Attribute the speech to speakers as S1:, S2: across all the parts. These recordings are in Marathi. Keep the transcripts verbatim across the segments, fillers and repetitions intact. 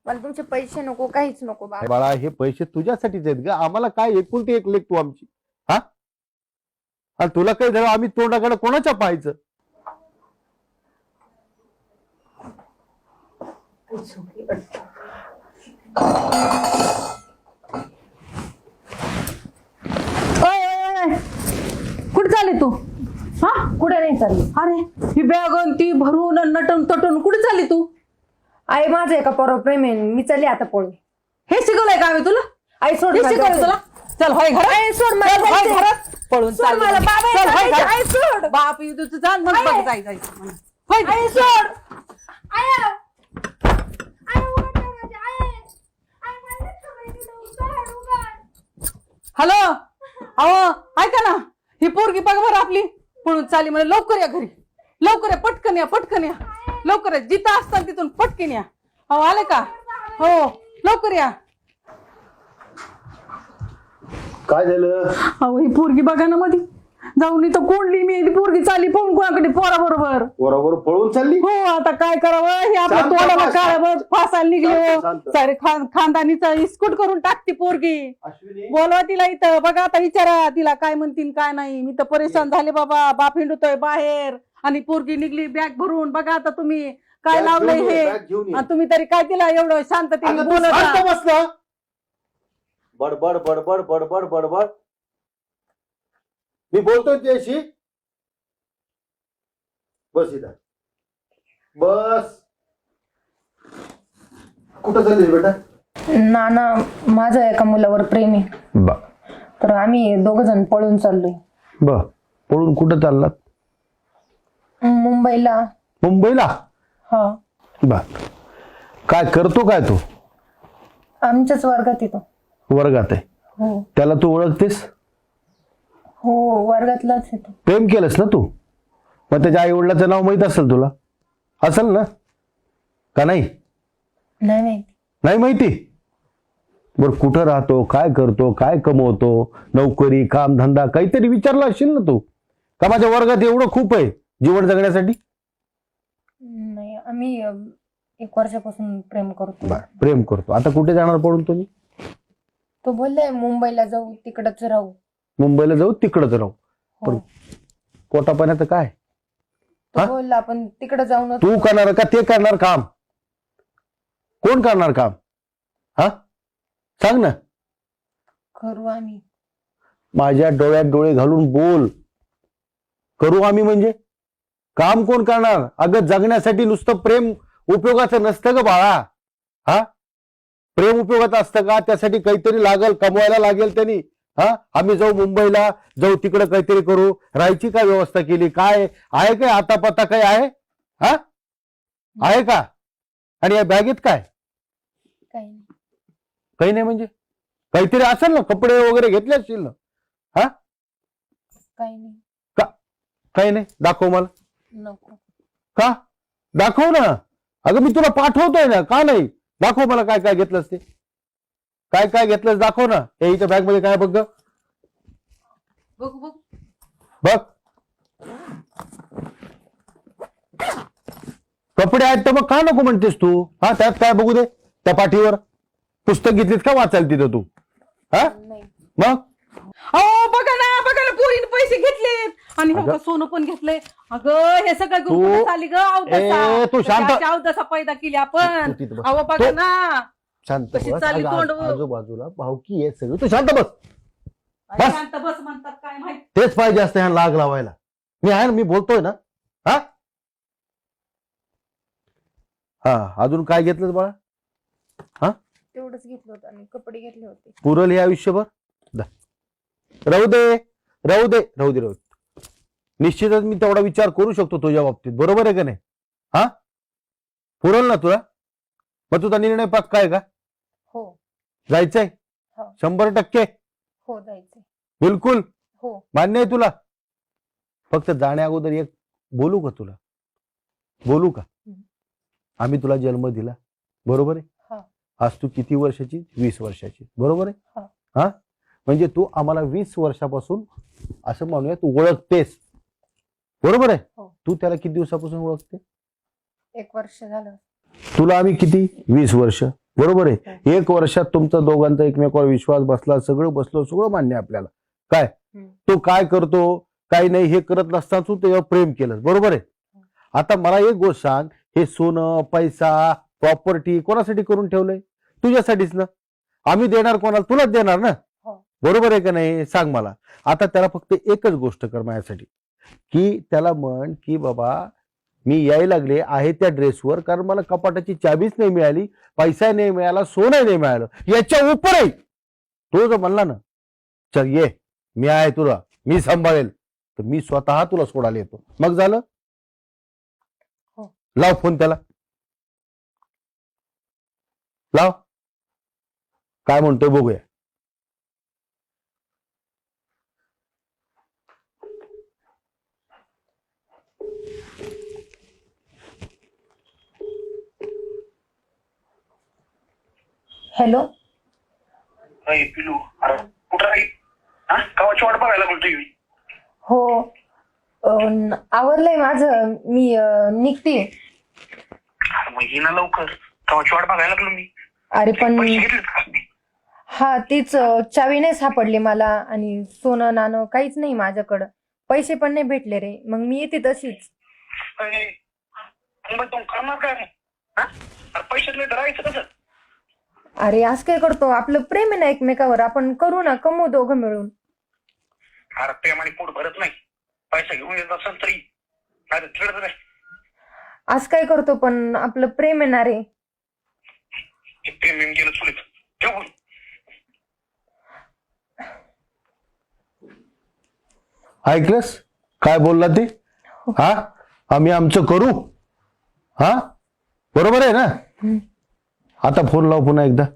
S1: मला तुमचे पैसे नको, काहीच नको बाबा.
S2: बाळा हे पैसे तुझ्यासाठीच आहेत ग. आम्हाला काय एकुलती एक लेख तू आमची. हा आणि तुला काही झालं आम्ही तोंडाकडे कोणाच्या पाहायचं.
S3: कुठे चालली तू? हा
S1: कुठे नाही चालली.
S3: अरे ही बॅग ती भरून आणि नटून तटून कुठे चालली तू?
S1: आई माझं एका पोरावर प्रेम आहे, मी चालली आता पळून.
S3: हे शिकवलंय का आम्ही तुला?
S1: आई सोड
S3: हे
S1: मला
S3: शिकवलंय
S1: जायचं.
S3: तुला? चल होय घरात.
S1: आई सोड मला
S3: चल, होय
S1: जायचंय.
S3: घरात. पळून
S1: सोड
S3: चालली.
S1: मला, बाबा
S3: चल, होय
S1: जायचंय.
S3: घरात.
S1: आई सोड.
S3: बाप येऊ तू जा मग
S1: आई.
S3: बघ जाय जायचं म्हणून. होय घरात.
S1: आई सोड. आई आई उघड ना माझी आई. आई मला नाही थांबायचं, उघड, उघड.
S3: हॅलो अहो ऐका ना, ही पोरगी बघ बरं आपली पळून चालली म्हणे. लवकर या घरी, लवकर या, पटकन या, पटकन या, लवकर या. जिथं असताना तिथून पटकन या. अहो आले का? हो लवकर या.
S2: काय झालं?
S3: अहो ही पोरगी बघा ना मध्ये जाऊन इथं कोंडली मी. ती पोरगी चालली पळून कोणाकडे पोरा बरोबर.
S2: बरोबर पळून चालली.
S3: हो आता काय करावं, हे आपल्या
S2: शांत
S3: तोंडाला
S2: बस.
S3: काळ फासायला निघले
S2: शांत,
S3: हो.
S2: शांत.
S3: सारे खान खानदानीचा इस्कूट करून टाकती पोरगी.
S2: अश्विनी
S3: बोलवा तिला इथं. बघा आता विचारा तिला काय म्हणतील काय नाही. मी तर परेशान झाले बाबा. बाप हिंडतोय बाहेर आणि पोरगी निघली बॅग भरून. बघा आता तुम्ही काय
S2: बॅग
S3: लावलंय
S2: घेऊन ये,
S3: हे.
S2: बॅग घेऊन ये.
S3: आणि तुम्ही तरी काय तिला एवढं शांततेने
S2: अगं तू
S3: बोलत
S2: शांत
S3: राहा.
S2: बस ना. बडबड बडबड बडबड बडबड. मी बोलतोय त्याशी. बस इथं बस. कुठं चालली बेटा?
S1: नाना माझं एका मुलावर प्रेम आहे,
S2: बा
S1: तर आम्ही दोघ जण पळून चाललोय
S2: ब पळून कुठं चाललात?
S1: मुंबईला.
S2: मुंबईला?
S1: हा
S2: बा काय करतो काय तू?
S1: आमच्याच वर्गात येतो.
S2: वर्गात आहे.
S1: हो
S2: त्याला तू ओळखतेस?
S1: हो वर्गातलाच येतो.
S2: प्रेम केलंस ना तू? मग त्याच्या आई वडिलाचं नाव माहित असेल तुला? असेल ना का नाही?
S1: नाही माहिती.
S2: नाही माहिती? बर कुठं राहतो, काय करतो, काय कमवतो, नोकरी काम धंदा काहीतरी विचारला असेल ना तू? का माझ्या वर्गात एवढं खूप आहे जीवन जगण्यासाठी?
S1: नाही आम्ही अं, एक वर्षापासून प्रेम करतो.
S2: बर प्रेम करतो. आता कुठे जाणार पडून तुम्ही?
S1: तो बोललाय मुंबईला जाऊ, तिकडच राहू.
S2: मुंबईला जाऊ, तिकडच राहू.
S1: हो.
S2: पण पोटापाण्याचं काय?
S1: तो
S2: हा?
S1: बोलला आपण तिकडे जाऊन.
S2: तू करणार का ते करणार काम? कोण करणार काम? हा सांग ना.
S1: करू आम्ही.
S2: माझ्या डोळ्यात डोळे घालून बोल. करू आम्ही म्हणजे काम कोण करणार? अगं जगण्यासाठी नुसतं प्रेम उपयोगाचं नसतं ग बाळा. हा प्रेम उपयोगाचं असतं का? त्यासाठी काहीतरी लागल, कमवायला लागेल त्यांनी. हा आम्ही जाऊ मुंबईला, जाऊ तिकडे काहीतरी करू. राहायची काय व्यवस्था केली? काय आहे? काय आता पत्ता काय आहे? हा आहे का? आणि या बॅगेत काय?
S1: काही नाही.
S2: काही नाही म्हणजे काहीतरी असेल ना, कपडे वगैरे घेतले असतील ना? हा
S1: काही नाही.
S2: काही नाही. दाखव मला.
S1: नको.
S2: का? दाखव ना. अगं मी तुला पाठवतोय ना. का नाही? दाखव मला काय काय घेतलंस ते. काय काय घेतलंस दाखव ना. हे इथं बॅग मध्ये काय बघ ग.
S3: बघू बघू.
S2: बघ कपडे आहेत तर मग का नको म्हणतेस तू? हा त्यात काय बघू दे. त्या पाठीवर पुस्तक घेतलीस का वाचायला तिथं तू? हा
S1: नाही.
S2: मग
S3: अहो बघा ना, बघा ना, पोरीने पैसे घेतलेत आणि हो का सोनं पण घेतलंय. अगं हे सगळं
S2: तू-
S3: घेऊन चालली ग
S2: ए,
S3: अवदसा.
S2: तू शांत-
S3: त्याची अवदसा पैदा केली आपण.
S2: तू तिथं बस.
S3: अहो बघा
S2: तू-
S3: ना
S2: शांत
S3: कशी
S2: बस.
S3: चालली
S2: अगं,
S3: तोंड.
S2: आज- आजूबाजूला भावकी आहे सगळं. तू शांत बस.
S3: काय
S2: बस.
S3: शांत बस म्हणतात काय माहित.
S2: तेच पाहिजे असतं ह्या लाग लावायला. मी आहे ना, मी बोलतोय ना. हा हा अजून काय घेतलं बाळा? हा
S1: तेवढंच घेतलं होतं आणि कपडे घेतले होते.
S2: पुरल हे आयुष्यभर? दा. राहू दे राहू दे राहू दे राहू दे. निश्चितच मी तेवढा विचार करू शकतो तुझ्या बाबतीत. बरोबर आहे का नाही? हा पुरल ना तुला? मग तुझा निर्णय पक्का आहे का?
S1: हो
S2: जायचंय?
S1: हो.
S2: शंभर टक्के?
S1: हो जायचंय.
S2: बिलकुल
S1: हो
S2: मान्य आहे तुला? फक्त जाण्या अगोदर एक बोलू का तुला? बोलू का?
S1: हम्म.
S2: आम्ही तुला जन्म दिला, बरोबर आहे?
S1: हा.
S2: आज तू किती वर्षाची? वीस वर्षाची, बरोबर आहे?
S1: हा.
S2: हा म्हणजे तू आम्हाला वीस वर्षापासून असं म्हणूया तू ओळखतेस, बरोबर आहे?
S1: हो.
S2: तू त्याला किती दिवसापासून ओळखते?
S1: एक वर्ष झालं.
S2: तुला आम्ही किती? वीस वर्ष. बरोबर आहे. एक वर्षात तुमचा दोघांचा एकमेकावर विश्वास बसला, सगळं बसलं, सगळं मान्य आहे आपल्याला. काय
S3: हम्म.
S2: तो काय करतो काय नाही हे करत नसताना तू त्याच्यावर प्रेम केलं, बरोबर आहे. आता मला एक गोष्ट सांग, हे सोनं पैसा प्रॉपर्टी कोणासाठी करून ठेवलंय? तुझ्यासाठीच ना. आम्ही देणार कोणाला? तुलाच देणार ना.
S3: हो.
S2: बरोबर आहे का नाही? सांग मला. आता त्याला फक्त एकच गोष्ट कर माझ्यासाठी, की त्याला म्हण की बाबा मी यायला लागले आहे त्या ड्रेसवर, कारण मला कपाटाची चाबीच नाही मिळाली, पैसा नाही मिळाला, सोनं नाही मिळालं, याच्या उपर आहे. तो जर म्हणला ना चल ये मी आहे तुला, मी सांभाळेल, तर मी स्वतः तुला सोडायला येतो. मग झालं.
S3: हो.
S2: लाव फोन त्याला, लाव. काय म्हणतोय बघूया.
S1: हॅलो.
S4: अरे पिलू, अरे कुठं आहे? हा गावाची वाट बघायला बोलतोय मी.
S1: हो अं, आवरलंय माझं, मी अं, निघते.
S4: अरे मग ये ना लवकर, गावाची वाट बघायला लागलो मी.
S1: अरे पण
S4: पैसे घेतलेत का?
S1: हा तीच अं, चावी नाही सापडली मला, आणि सोनं नाणं काहीच नाही माझ्याकडं, पैसे पण नाही भेटले रे. मग मी येते तशीच.
S4: अरे, मग तू करणार काय मग? हा? अरे पैशात नाही धरायचं कसं?
S1: अरे आज काय करतो, आपलं प्रेम आहे ना एकमेकावर, आपण करू ना, कमवू दोघं मिळून.
S4: अरे प्रेमाने पोट भरत नाही, पैसा घेऊन येत असेल तरी अरे चिडत नाही.
S1: आज काय करतो, पण आपलं प्रेम आहे ना रे.
S4: हे प्रेम येऊन गेलं चुलीत ठेवून.
S2: ऐकलंस काय बोलला ते? हा आम्ही आमचं करू. हा बरोबर आहे ना.
S1: हम्म.
S2: आता फोन लाव पुन्हा एकदा.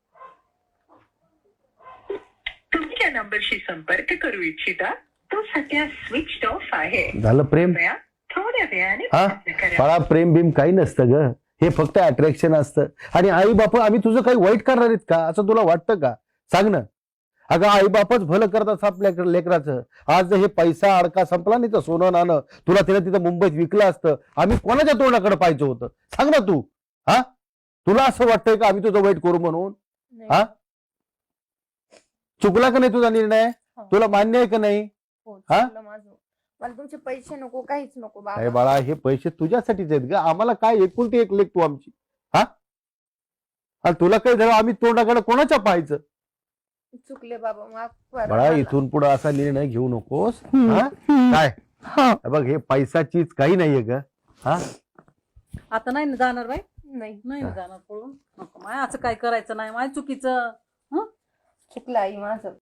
S5: तुम्ही ज्या नंबरशी संपर्क करू इच्छिता तो सध्या स्विच ऑफ आहे.
S2: झालं प्रेम.
S5: कृपया थोड्या वेळाने
S2: हा
S5: प्रयत्न करा.
S2: मला प्रेम बिम काही नसतं ग, हे फक्त अट्रॅक्शन असतं. आणि आई बाप आम्ही तुझं काही वाईट करणार आहेत का असं तुला वाटतं का? सांग ना. अगं आई बापच भलं करतात आपल्या लेकराचं. आज जर हे पैसा अडका संपला नाही तर सोनं नाणं तुला तिला तिथं मुंबईत विकलं असतं, आम्ही कोणाच्या तोंडाकडे पाहिजे होतं सांग ना तू. हा तुला असं वाटतंय का आम्ही तुझं वाईट करू म्हणून? हा चुकला का नाही तुझा निर्णय? तुला मान्य आहे का नाही?
S1: हो,
S2: हा?
S1: चुकलं माझं. मला तुमचे पैसे नको, काहीच नको
S2: अरे
S1: बाबा.
S2: बाळा हे पैसे तुझ्यासाठीच आहेत ग. आम्हाला काय एकुलती एक लेख तू आमची. हा आणि तुला काही झालं आम्ही तोंडाकडे कोणाच्या पाहायचं?
S1: चुकले बाबा, माफ करा
S2: बाळा
S1: मला.
S2: इथून पुढे असा निर्णय घेऊ नकोस. हा काय हे बघ हे पैसाचीच काही नाहीये ग. हा
S3: आता नाही ना जाणार बाई,
S1: नाही,
S3: नाही ना जाणार पळून. नको माय, असं काय करायचं नाही माय, चुकीचं. हं?
S1: चुकलं आई माझं.